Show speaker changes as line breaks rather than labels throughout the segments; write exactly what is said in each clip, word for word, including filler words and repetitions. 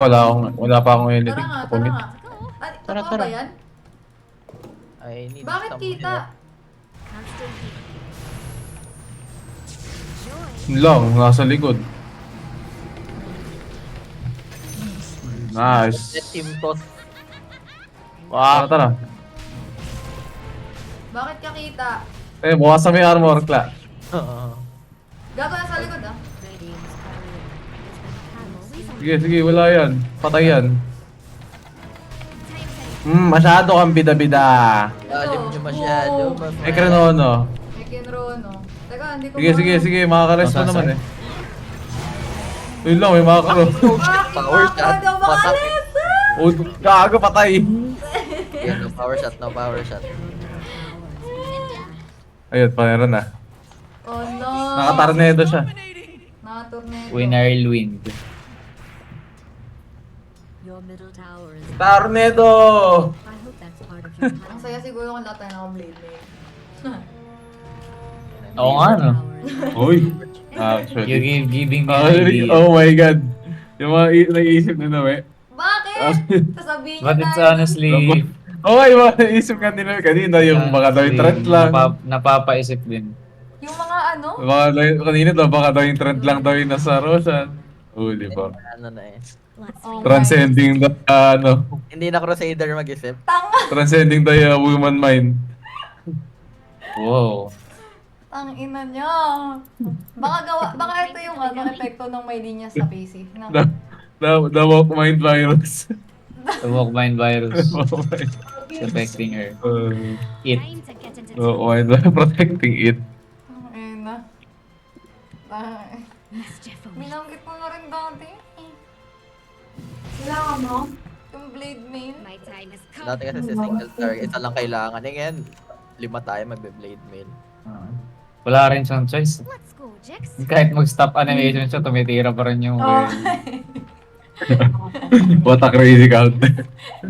Wala akong, wala pa akong
Tara
anything.
nga, tara
Commit.
nga. Ay,
Tara,
totoo
tara.
ba yan?
I need
Bakit
stamina.
kita?
Yun lang, nasa likod.
Let
Nice.
him toss.
Tara,
Wow.
tara.
Bakit ka kita?
Eh, bukas sa may armor, Kla.
Gago na sa likod ah.
Sige, sige, wala yan. Patay yan. Hmm, masyado kang bida-bida.
Lalim nyo masyado.
Oo.
mas-
Eh, Krenono.
May kinrono. Teka, hindi ko
Sige,
ma-
sige, sige, makaka-rest pa
Masasay.
naman eh. Yun lang, may makaka-ro.
Ah,
Power
ako
shot.
daw
Patak.
makalis!
Oh, gago, patay.
Yeah, no power shot, no power shot.
Ayun, panera na.
Oh no!
Nakatarnedo siya.
Nakatornado.
Winner wind.
Your middle tower is.
Tarnedo!
I hope that's part of your
Ang saya siguro kung lahat tayo naka-blade mail.
Oo nga, no?
Uy.
You
Actually.
give, giving me an
Actually,
idea.
oh my god. Yung mga i- naiisip nila, we.
Bakit? Sasabihin niya
But it's
tayo.
honestly...
Okay, mga naiisip ka nila kanina, yung baka daw yung trend lang.
Napa, napapaisip din.
Yung mga ano?
Baka daw yung, kanina daw, baka daw yung trend lang daw yung nasa Roshan. Oo, di ba?
Ano na eh.
Let's
Oh,
Transcending the, uh, ano,
Hindi na Crusader mag-isip.
Tanga!
transcending the uh, woman mind.
Wow.
Tang ina niya. Baka gawa, baka ito yung ano, epekto ng may linya sa P C. Na,
The, the, the woke mind virus.
The walk mind virus
Oh my.
is affecting her.
Uh,
It.
time to get into
oh, mind protecting it.
Tang ina. Tang-
mischief.
Binanggit mo na rin dati. Kailangan mo? Yung blade mail.
My time is come.
Dati kasi si single target, isa lang kailangan. Eh ngayon, lima tayo magbe-blade mail.
Ah. Wala rin siyang choice.
Let's go, Jax.
Kahit mag-stop animation siya, tumitira pa rin yung...
Oh.
What a crazy counter.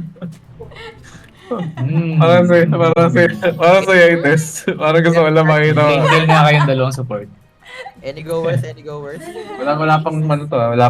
Hmm.
Parang sa, parang sa, parang sa yung test. Parang gusto ko lang makita.
Single nga kayong dalawang support.
Any goers, any goers?
Wala, wala pang ano to, ah, wala